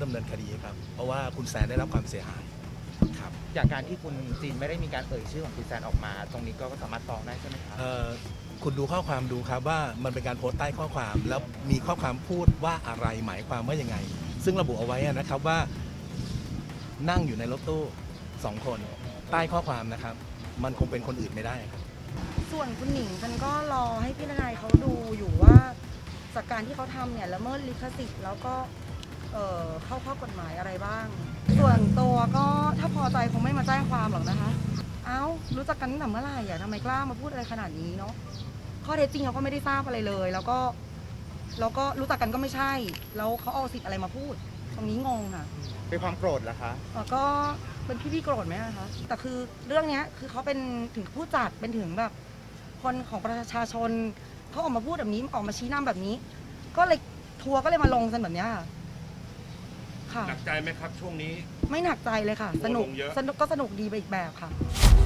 ดำเนินคดีครับเพราะว่าคุณแซนได้รับความเสียหายครับอย่างการที่คุณจีนไม่ได้มีการเอ่ยชื่อของคุณแซนออกมา ตรงนี้ก็สามารถฟ้องได้ใช่ไหมครับคุณดูข้อความดูครับว่ามันเป็นการโพสต์ใต้ข้อความแล้วมีข้อความพูดว่าอะไรหมายความว่ายังไง ซึ่งระบุเอาไว้นะครับว่านั่งอยู่ในรถตู้2 คนใต้ข้อความนะครับมันคงเป็นคนอื่นไม่ได้ครับส่วนคุณหนิงฉันก็รอให้พี่ทนายเขาดูอยู่ว่าจากการที่เขาทำเนี่ยละเมิดลิขสิทธิ์แล้วก็เข้าข้อกฎหมายอะไรบ้าง ส่วนตัวก็ถ้าพอใจคงไม่มาแจ้งความหรอกนะคะ เอ้ารู้จักกันตั้งแต่เมื่อไหร่อะทำไมกล้ามาพูดอะไรขนาดนี้เนาะข้อเท็จจริงเขาก็ไม่ได้ทราบอะไรเลย แล้วก็รู้จักกันก็ไม่ใช่ แล้วเขาเอาสิทธิ์อะไรมาพูด ตรงนี้งงค่ะเป็นความโกรธเหรอคะก็เป็นพี่โกรธไหมคะแต่คือเรื่องนี้คือเขาเป็นถึงผู้จัดเป็นถึงแบบคนของประชาชนเขาออกมาพูดแบบนี้ออกมาชี้นำแบบนี้ ก็เลยทัวร์ก็เลยมาลงกันแบบนี้ค่ะหนักใจไหมครับช่วงนี้ไม่หนักใจเลยค่ะ สนุกทัวร์ลงเยอะก็สนุกดีไปอีกแบบค่ะ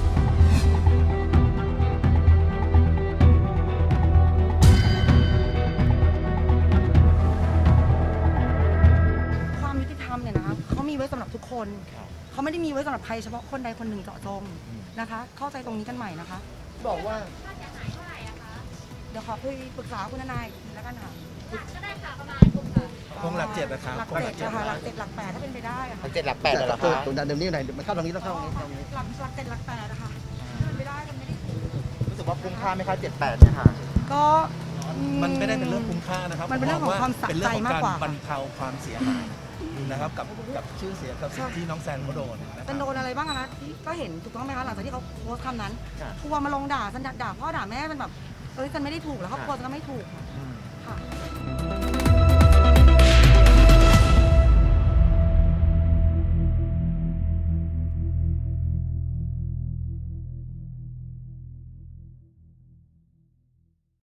ความยุติธรรมเนี่ยนะคะเขามีไว้สำหรับทุกคนเขาไม่ได้มีไว้สำหรับใครเฉพาะคนใดคนหนึ่งเจาะจงนะคะ เข้าใจตรงนี้กันใหม่นะคะบอกว่าเดี๋ยวขอคุยปรึกษาคุณทนายอีกทีแล้วกันค่ะก็ได้ค่ะประมาณ6 คงหลัก 7นะครับหลักคงเจ็ดนะคะหลัก7หลัก8ถ้าเป็นไปได้อะค่ะ 7 หลัก 8เหรอคะตรงนั้นเดี๋ยวนี้ไหนมันเข้าตรงนี้ต้องเข้าตรงนี้หลัก7หลัก8นะคะถ้าเป็นไปได้มันไม่ได้ถูกรู้สึกว่าคุ้มค่าไหมคะ7-8เนี่ยค่ะก็มันไม่ได้เป็นเรื่องคุ้มค่านะครับมันเป็นเรื่องของความสะใจมากกว่าเป็นเรื่องของการบรรเทาความเสียหายนะครับกับชื่อเสียงกับสิ่งที่น้องแซนเขาโดนนะครับเป็นโดนอะไรบ้างอะคะที่ก็เห็นถูกต้องไหมคะหลังจากที่เขาโพสต์คำนั้นค่ะทัวร์มาลงด่าฉันด่าพ่อด่าแม่มันแบบฉันไม่ได้ถูกแล้วครอบครัวฉันก็ไม่ถูกค่ะ